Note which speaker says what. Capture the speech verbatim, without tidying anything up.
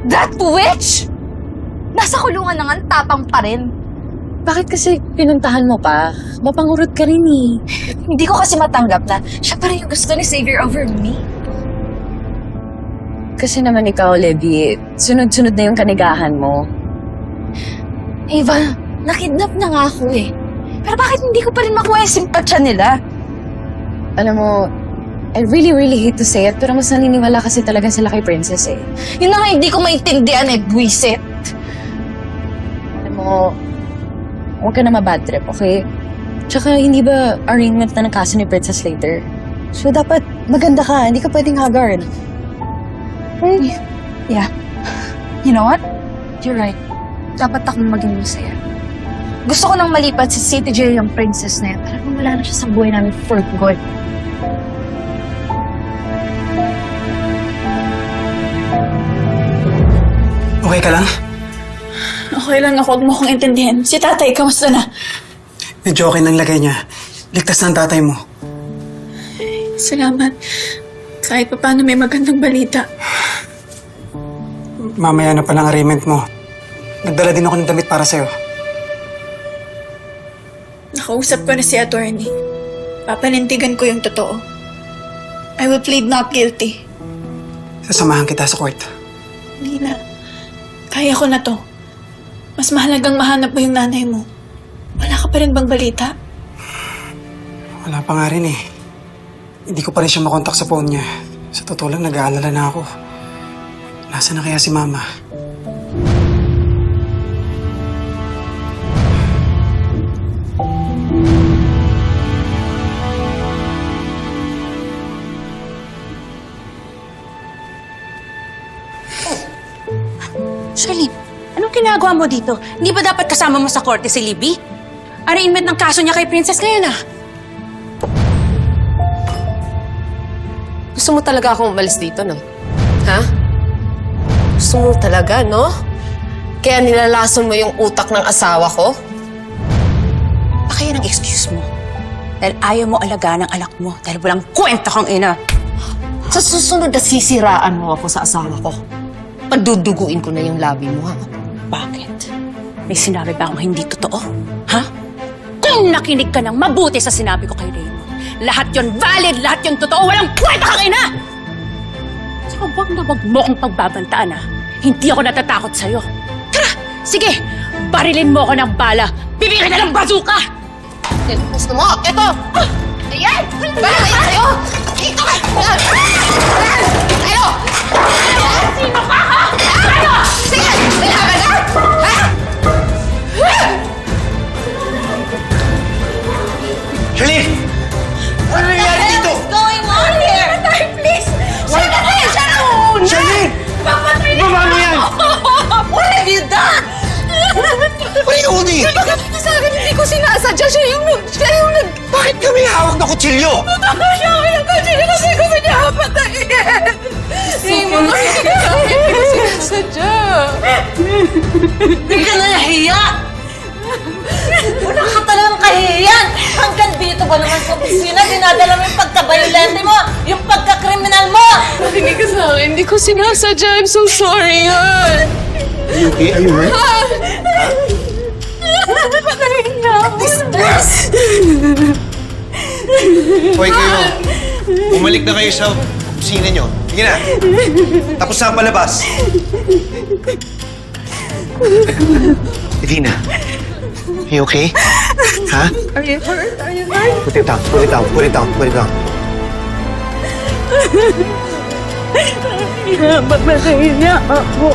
Speaker 1: That witch! Nasa kulungan na nga, ang tapang pa rin.
Speaker 2: Bakit kasi pinuntahan mo pa? Mapangurot ka rin eh.
Speaker 1: Hindi ko kasi matanggap na siya pa rin yung gusto ni Xavier over me.
Speaker 2: Kasi naman ikaw, Levi, sunod-sunod na yung kanigahan mo.
Speaker 1: Ava, nakidnap na nga ako eh. Pero bakit hindi ko pa rin makuha yung simpatsya nila?
Speaker 2: Alam mo, I really, really hate to say it, pero mas naniniwala kasi talaga sila kay Princess eh.
Speaker 1: Yun na nga hindi ko maintindihan eh, buwisit.
Speaker 2: Alam mo, huwag ka na mabad trip, okay? Tsaka hindi ba arraignment na ng kaso ni Princess later? So dapat maganda ka, hindi ka pwedeng haggard.
Speaker 1: Hmm. Yeah. You know what? You're right. Dapat akong maging masaya. Gusto ko nang malipat si City J yung princess na yan para wala na siya sa buhay namin for good.
Speaker 3: Okay ka lang?
Speaker 4: Okay lang ako, huwag mo akong intindihin. Si tatay, kamusta na?
Speaker 3: Medyo okay ng lagay niya. Ligtas na ang tatay mo.
Speaker 4: Salamat. Kahit pa paano may magandang balita.
Speaker 3: Mamaya na palang arraignment mo. Nagdala din ako ng damit para sa'yo.
Speaker 4: Nakausap ko na si attorney. Papanindigan ko yung totoo. I will plead not guilty.
Speaker 3: Sasamahan kita sa court.
Speaker 4: Hindi na. Kaya ko na to. Mas mahalagang mahanap mo yung nanay mo. Wala ka pa rin bang balita?
Speaker 3: Wala pa nga rin eh. Hindi ko pa rin siya makontak sa phone niya. Sa totoo lang, nag-aalala na ako. Nasaan na kaya si Mama?
Speaker 5: Charlene, anong ginagawa mo dito? Hindi ba dapat kasama mo sa korte si Libby? Arraignment ng kaso niya kay Princess ngayon ah.
Speaker 6: Gusto mo talaga akong umalis dito, no? Ha? Gusto mo talaga, no? Kaya nilalason mo yung utak ng asawa ko?
Speaker 5: Baka yan ang excuse mo. Dahil ayaw mo alagaan ang anak mo dahil walang kwenta kang ina.
Speaker 6: Sa susunod na sisiraan mo ako sa asawa ko. Paduduguin ko na yung labi mo, ha?
Speaker 5: Bakit? May sinabi ba akong hindi totoo? Ha? Kung nakinig ka ng mabuti sa sinabi ko kay Raymond, lahat yon valid, lahat yon totoo, walang kwenta kang ina! Saka wag na wag mo akong pagbabantaan, ha? Hindi ako natatakot sa'yo. Tara! Sige! Barilin mo ako ng bala! Bibigyan na ng bazooka!
Speaker 6: Gusto mo? Eto! Ayan! Bala kayo sa'yo! Dito ka! Ayan! Ayan!
Speaker 5: Sino ka, ha? Ano?
Speaker 6: Sige! May laban ka? Ha?
Speaker 3: Charlene! Ano nangyayari dito?
Speaker 5: What's going on here? Tay, please! Siya na kayo! Siya na!
Speaker 3: Charlene!
Speaker 5: Papatay na!
Speaker 3: Ibaba mo yan!
Speaker 5: What have you done?
Speaker 3: What are you holding?
Speaker 1: Bakit sa akin hindi ko sinasadya? Siya yung nag... Siya yung nag...
Speaker 3: Bakit kami hawak na kutsilyo?
Speaker 1: Ako siya ako yung kachili kasi gusto niya kapatayin. Raymond, hindi ka sa akin. Hindi ko sinasadya.
Speaker 5: Hindi ka na nahiya! Wala ka talagang kahihiyan! Hanggang dito ba naman sa opisina, dinadala mo yung pagka-violente mo, yung pagka-kriminal mo!
Speaker 1: Hindi ka sa akin. Hindi ko sinasadya. I'm so sorry, Han.
Speaker 3: Are you okay? Are you hurt?
Speaker 1: Patayin na ako.
Speaker 7: Hoy kayo, bumalik na kayo sa opisina nyo. Sige na. Tapos na ang palabas. Edina, are you okay? Ha?
Speaker 1: Are you hurt? Are you hurt?
Speaker 7: Put it down, put it down, put it down, put it down.
Speaker 1: Patayin niya ako.